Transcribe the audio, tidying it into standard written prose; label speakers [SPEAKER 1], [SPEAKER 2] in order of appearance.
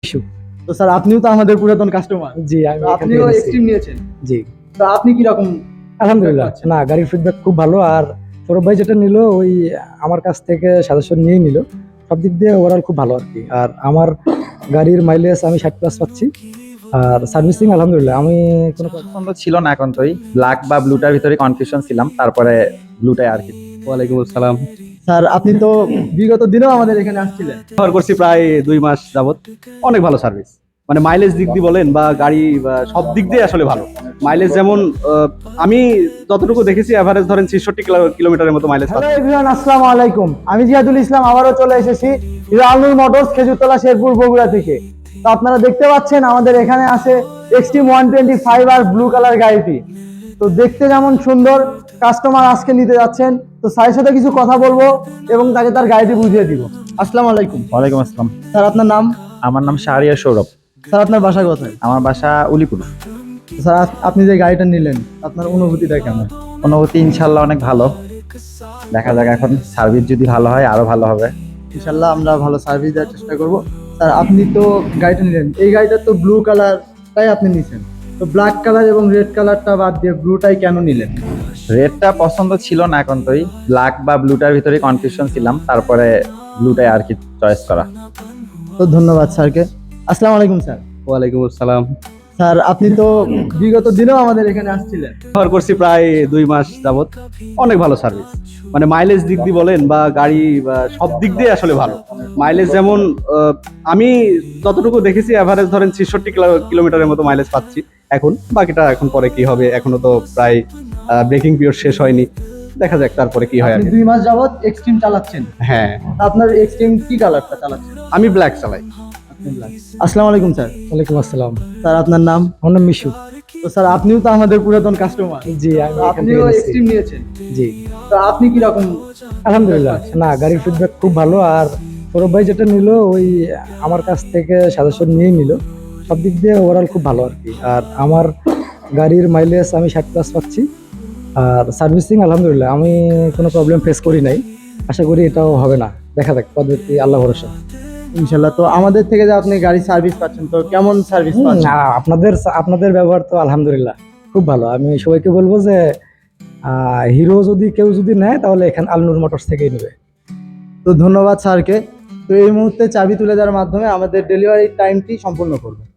[SPEAKER 1] Issue.
[SPEAKER 2] তো sir আপনিও তো আমাদের পুরাতন কাস্টমার।
[SPEAKER 1] জি, আমি এখান
[SPEAKER 2] আপনিও
[SPEAKER 1] থেকে নিচ্ছি।
[SPEAKER 2] এক্সট্রিম নিয়েছেন।
[SPEAKER 1] জি,
[SPEAKER 2] তো আপনি কি রকম
[SPEAKER 1] আলহামদুলিল্লাহ।
[SPEAKER 2] পাচ্ছেন?
[SPEAKER 1] না, গাড়ির ফিডব্যাক খুব ভালো। আর সৌরভ ভাই যেটা নিল ওই আমার কাছ থেকে সাজেশন নিয়েই নিল। সব দিক দিয়ে ওভারঅল খুব ভালো আরকি। আর আমার গাড়ির মাইলেজ আমি 60+ পাচ্ছি। আর সার্ভিসিং আলহামদুলিল্লাহ আমি কোনো
[SPEAKER 3] পছন্দ ছিল না একান্তই, ব্ল্যাক বা ব্লুটার ভিতরে কনফিউশন ছিলাম, তারপরে ব্লুটাই আর কি।
[SPEAKER 4] ওয়ালাইকুম আসসালাম।
[SPEAKER 2] স্যার আপনি তো বিগত দিনেও আমাদের এখানে আসছিলেন।
[SPEAKER 4] ব্যবহার করছি প্রায় 2 মাস যাবত। অনেক ভালো সার্ভিস, মানে মাইলেজ দিক দিয়ে বলেন বা গাড়ি বা সব দিক দিয়ে আসলে ভালো। মাইলেজ যেমন আমি যতটুকু দেখেছি এভারেজ ধরেন 66 কিলোমিটারের মতো মাইলেজ।
[SPEAKER 2] হ্যালো এভরিওয়ান, আসসালামু আলাইকুম। আমি জিয়াদুল ইসলাম আবারও চলে এসেছি আলনুর মোটরস, খেজুরতলা, শেরপুর, বগুড়া থেকে। তো আপনারা দেখতে পাচ্ছেন আমাদের এখানে আছে এক্সট্রিম 125 আর ব্লু কালার গাড়িটি। তো দেখতে যেমন সুন্দর, কাস্টমার আজকে নিতে যাচ্ছেন। তো স্যারের সাথে কিছু কথা বলবো এবং তাকে তার গাড়িটি বুঝিয়ে দিব। আসসালামু আলাইকুম।
[SPEAKER 3] ওয়ালাইকুম আসসালাম।
[SPEAKER 2] স্যার আপনার নাম?
[SPEAKER 3] আমার নাম শাহরিয়ার সৌরভ।
[SPEAKER 2] স্যার আপনার বাসা কোথায়?
[SPEAKER 3] আমার বাসা উলিপুর।
[SPEAKER 2] স্যার আপনি যে গাড়িটা নিলেন আপনার অনুভূতিটা কেমন?
[SPEAKER 3] অনুভূতি ইনশাল্লাহ অনেক ভালো। দেখা যাক এখন সার্ভিস যদি ভালো হয় আরো ভালো হবে।
[SPEAKER 2] ইনশাল্লাহ আমরা ভালো সার্ভিস দেওয়ার চেষ্টা করব। স্যার আপনি তো গাড়িটা নিলেন, এই গাড়িটা তো ব্লু কালারটাই আপনি নিছেন, তো ব্ল্যাক কালার এবং রেড কালারটা বাদ দিয়ে ব্লুটাই কেন নিলেন?
[SPEAKER 3] রেডটা পছন্দ ছিল না একান্তই, ব্ল্যাক বা ব্লুটার ভিতরে কনফিউশন ছিলাম, তারপরে ব্লুটাই আর কি চয়েস করা।
[SPEAKER 2] তো ধন্যবাদ স্যারকে। আসসালামু আলাইকুম স্যার।
[SPEAKER 4] ওয়ালাইকুম আসসালাম।
[SPEAKER 2] স্যার আপনি তো বিগত দিনেও আমাদের এখানে আসছিলেন।
[SPEAKER 4] ব্যবহার করছি প্রায় 2 মাস যাবত। অনেক ভালো সার্ভিস, মানে মাইলেজ দিক দিয়ে বলেন বা গাড়ি বা সব দিক দিয়ে আসলে ভালো। মাইলেজ যেমন আমি যতটুকু দেখেছি এভারেজ ধরেন 66 কিলোমিটারের মতো মাইলেজ পাচ্ছি এখন। বাকিটা এখন পরে কি হবে, এখনো তো প্রায় ব্রেকিং পিরিয়ড শেষ হয়নি, দেখা যাক তারপরে কি হয় আর
[SPEAKER 2] আপনি
[SPEAKER 4] কি।
[SPEAKER 2] 2 মাস যাবত এক্সট্রিম চালাচ্ছেন।
[SPEAKER 4] হ্যাঁ,
[SPEAKER 2] আপনার এক্সট্রিম কি কালারটা চালাচ্ছেন?
[SPEAKER 4] আমি ব্ল্যাক চালাই।
[SPEAKER 2] আসসালামু আলাইকুম স্যার।
[SPEAKER 1] ওয়ালাইকুম আসসালাম।
[SPEAKER 2] স্যার আপনার নাম?
[SPEAKER 1] আমার নাম মিশু।
[SPEAKER 2] তো স্যার আপনিও তো আমাদের পুরাতন কাস্টমার।
[SPEAKER 1] জি, আমি এখান থেকে
[SPEAKER 2] আপনিও
[SPEAKER 1] নিচ্ছি।
[SPEAKER 2] এক্সট্রিম নিয়েছেন।
[SPEAKER 1] জি,
[SPEAKER 2] তো আপনি কি রকম?
[SPEAKER 1] আলহামদুলিল্লাহ। না, গাড়ির ফিডব্যাক খুব ভালো। আর সৌরভ ভাই যেটা নিল ওই আমার কাছ থেকে সাজেশন নিয়েই নিল। সব দিক দিয়ে ওভারঅল খুব ভালো আরকি। আর আমার গাড়ির মাইলেজ আমি 60+ পাচ্ছি। আর সার্ভিসিং আলহামদুলিল্লাহ আমি কোনো প্রবলেম ফেস করি নাই। আশা করি এটাও হবে না। দেখা যাক, পদ্ধতি আল্লাহ ভরসা।
[SPEAKER 2] ইনশাল্লাহ। তো আমাদের থেকে যে আপনি গাড়ি সার্ভিস পাচ্ছেন, তো কেমন সার্ভিস পাচ্ছেন?
[SPEAKER 1] আপনাদের ব্যবহার তো আলহামদুলিল্লাহ খুব ভালো। আমি সবাইকে বলবো যে হিরো যদি কেউ যদি নেয় তাহলে এখানে আলনুর মোটরস থেকেই নেবে।
[SPEAKER 2] তো ধন্যবাদ স্যারকে। তো এই মুহূর্তে চাবি তুলে দেওয়ার মাধ্যমে আমাদের ডেলিভারি টাইমটি সম্পূর্ণ করবে।